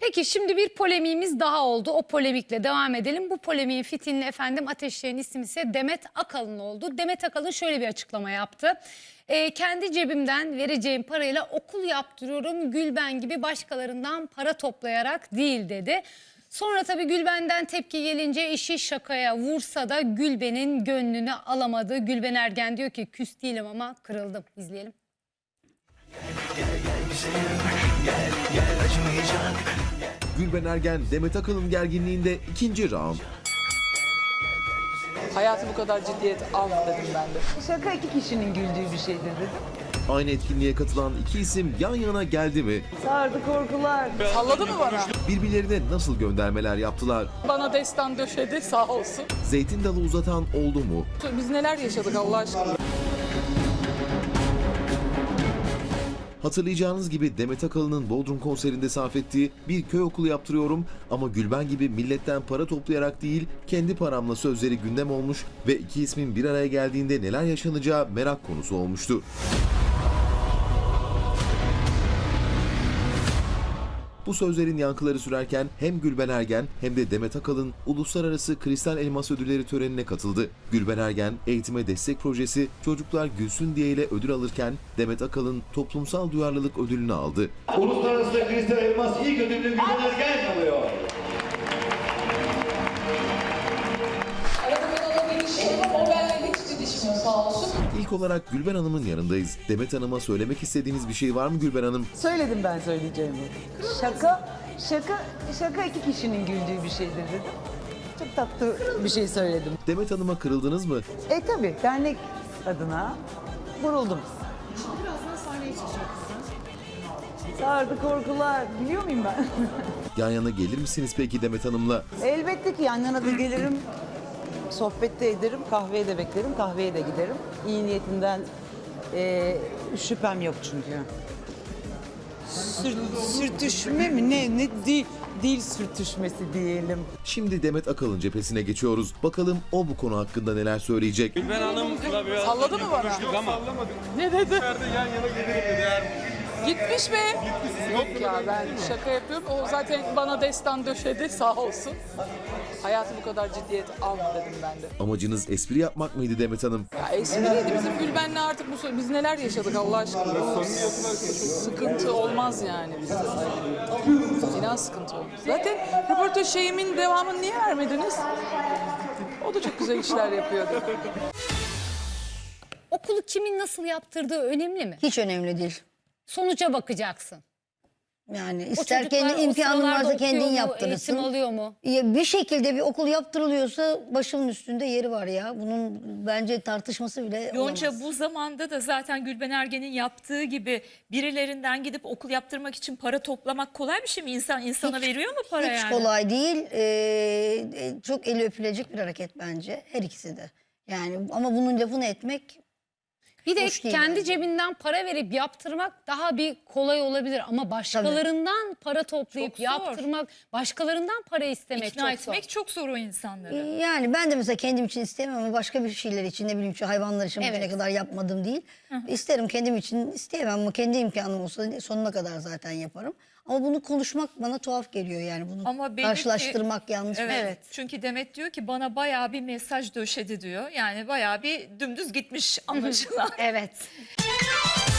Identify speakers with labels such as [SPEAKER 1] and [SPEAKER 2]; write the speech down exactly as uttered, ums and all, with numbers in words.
[SPEAKER 1] Peki şimdi bir polemiğimiz daha oldu. O polemikle devam edelim. Bu polemiğin fitilini efendim ateşleyen isim ise Demet Akalın oldu. Demet Akalın şöyle bir açıklama yaptı. E, kendi cebimden vereceğim parayla okul yaptırıyorum. Gülben gibi başkalarından para toplayarak değil dedi. Sonra tabii Gülben'den tepki gelince işi şakaya vursa da Gülben'in gönlünü alamadı. Gülben Ergen diyor ki küs değilim ama kırıldım. İzleyelim.
[SPEAKER 2] Gülben Ergen, Demet Akalın gerginliğinde ikinci round.
[SPEAKER 3] Hayatı bu kadar ciddiyet alma dedim ben de.
[SPEAKER 4] Şaka iki kişinin güldüğü bir şeydir dedim.
[SPEAKER 2] Aynı etkinliğe katılan iki isim yan yana geldi mi?
[SPEAKER 4] Sardı korkular.
[SPEAKER 3] Salladı mı bana?
[SPEAKER 2] Birbirlerine nasıl göndermeler yaptılar?
[SPEAKER 3] Bana destan döşedi sağ olsun.
[SPEAKER 2] Zeytin dalı uzatan oldu mu?
[SPEAKER 3] Biz neler yaşadık Allah aşkına.
[SPEAKER 2] Hatırlayacağınız gibi Demet Akalın'ın Bodrum konserinde sarf ettiği bir köy okulu yaptırıyorum ama Gülben gibi milletten para toplayarak değil kendi paramla sözleri gündem olmuş ve iki ismin bir araya geldiğinde neler yaşanacağı merak konusu olmuştu. Bu sözlerin yankıları sürerken hem Gülben Ergen hem de Demet Akalın Uluslararası Kristal Elmas Ödülleri törenine katıldı. Gülben Ergen eğitime destek projesi Çocuklar Gülsün diye ile ödül alırken Demet Akalın toplumsal duyarlılık ödülünü aldı.
[SPEAKER 5] Uluslararası Kristal Elmas ilk ödülünü Gülben Ergen alıyor.
[SPEAKER 3] Arada ben ona bir işim ama o benimle hiç didişmiyor sağ olsun.
[SPEAKER 2] İlk olarak Gülben Hanım'ın yanındayız. Demet Hanım'a söylemek istediğiniz bir şey var mı Gülben Hanım?
[SPEAKER 4] Söyledim ben söyleyeceğimi. Şaka, şaka, şaka iki kişinin güldüğü bir şeydir dedim. Çok tatlı bir şey söyledim.
[SPEAKER 2] Demet Hanım'a kırıldınız mı?
[SPEAKER 4] E tabii dernek adına vuruldum.
[SPEAKER 6] Birazdan sahneye çıkacaksın.
[SPEAKER 4] Sardı korkular. Biliyor muyum ben?
[SPEAKER 2] Yan yana gelir misiniz peki Demet Hanım'la?
[SPEAKER 4] Elbette ki yan yana da gelirim. Sohbette ederim, kahveye de beklerim, kahveye de giderim. İyi niyetinden e, şüphem yok çünkü. Sür, sürtüşme mi ne? Ne dil, dil sürtüşmesi diyelim.
[SPEAKER 2] Şimdi Demet Akalın cephesine geçiyoruz. Bakalım o bu konu hakkında neler söyleyecek?
[SPEAKER 7] Gülben Hanım'la biraz
[SPEAKER 3] Salladı mı bana?
[SPEAKER 7] konuştuk ama
[SPEAKER 3] Ne dedi?
[SPEAKER 7] içeride yan yana gelirim dedi. Eğer
[SPEAKER 3] Gitmiş be. Yok ya ben şaka yapıyorum. O zaten bana destan döşedi sağ olsun. Hayatı bu kadar ciddiyet alma dedim ben de.
[SPEAKER 2] Amacınız espri yapmak mıydı Demet Hanım?
[SPEAKER 3] Ya espriydi bizim Gülben'le artık bu biz neler yaşadık Allah aşkına. Sıkıntı olmaz yani bizde. İnan sıkıntı olmaz. Zaten röportaj şeyimin devamını niye vermediniz? O da çok güzel işler yapıyordu.
[SPEAKER 1] Okulu kimin nasıl yaptırdığı önemli mi?
[SPEAKER 8] Hiç önemli değil.
[SPEAKER 1] Sonuca bakacaksın.
[SPEAKER 8] Yani
[SPEAKER 1] O
[SPEAKER 8] ister
[SPEAKER 1] çocuklar
[SPEAKER 8] kendi
[SPEAKER 1] o
[SPEAKER 8] imkanın
[SPEAKER 1] sıralarda
[SPEAKER 8] varsa kendin
[SPEAKER 1] okuyor mu,
[SPEAKER 8] yaptırırsın.
[SPEAKER 1] eğitim alıyor mu?
[SPEAKER 8] Ya bir şekilde bir okul yaptırılıyorsa başımın üstünde yeri var ya. Bunun bence tartışması bile
[SPEAKER 6] Yonca
[SPEAKER 8] olamaz.
[SPEAKER 6] bu zamanda da zaten Gülben Ergen'in yaptığı gibi birilerinden gidip okul yaptırmak için para toplamak kolay bir şey mi? İnsan insana
[SPEAKER 8] Hiç-
[SPEAKER 6] veriyor mu para
[SPEAKER 8] Hiç
[SPEAKER 6] yani?
[SPEAKER 8] kolay değil. Ee, e, çok eli öpülecek bir hareket bence. Her ikisi de. Yani ama bunun lafını etmek
[SPEAKER 1] Bir de
[SPEAKER 8] Hoş değil
[SPEAKER 1] kendi
[SPEAKER 8] bence.
[SPEAKER 1] cebinden para verip yaptırmak daha bir kolay olabilir ama başkalarından para toplayıp
[SPEAKER 6] Çok zor.
[SPEAKER 1] yaptırmak, başkalarından para istemek
[SPEAKER 6] İkna
[SPEAKER 1] çok zor.
[SPEAKER 6] etmek çok zor o insanları.
[SPEAKER 8] yani ben de mesela kendim için istemem ama başka bir şeyler için ne bileyim şu hayvanlar için bugüne
[SPEAKER 1] Evet.
[SPEAKER 8] kadar yapmadım değil. İsterim kendim için isteyemem ama kendi imkanım olsa sonuna kadar zaten yaparım. Ama bunu konuşmak bana tuhaf geliyor yani bunu
[SPEAKER 6] Ama belli ki-
[SPEAKER 8] karşılaştırmak yanlış.
[SPEAKER 6] Evet.
[SPEAKER 1] Evet.
[SPEAKER 6] Çünkü Demet diyor ki bana bayağı bir mesaj döşedi diyor. Yani bayağı bir dümdüz gitmiş anlaşılan.
[SPEAKER 1] Evet.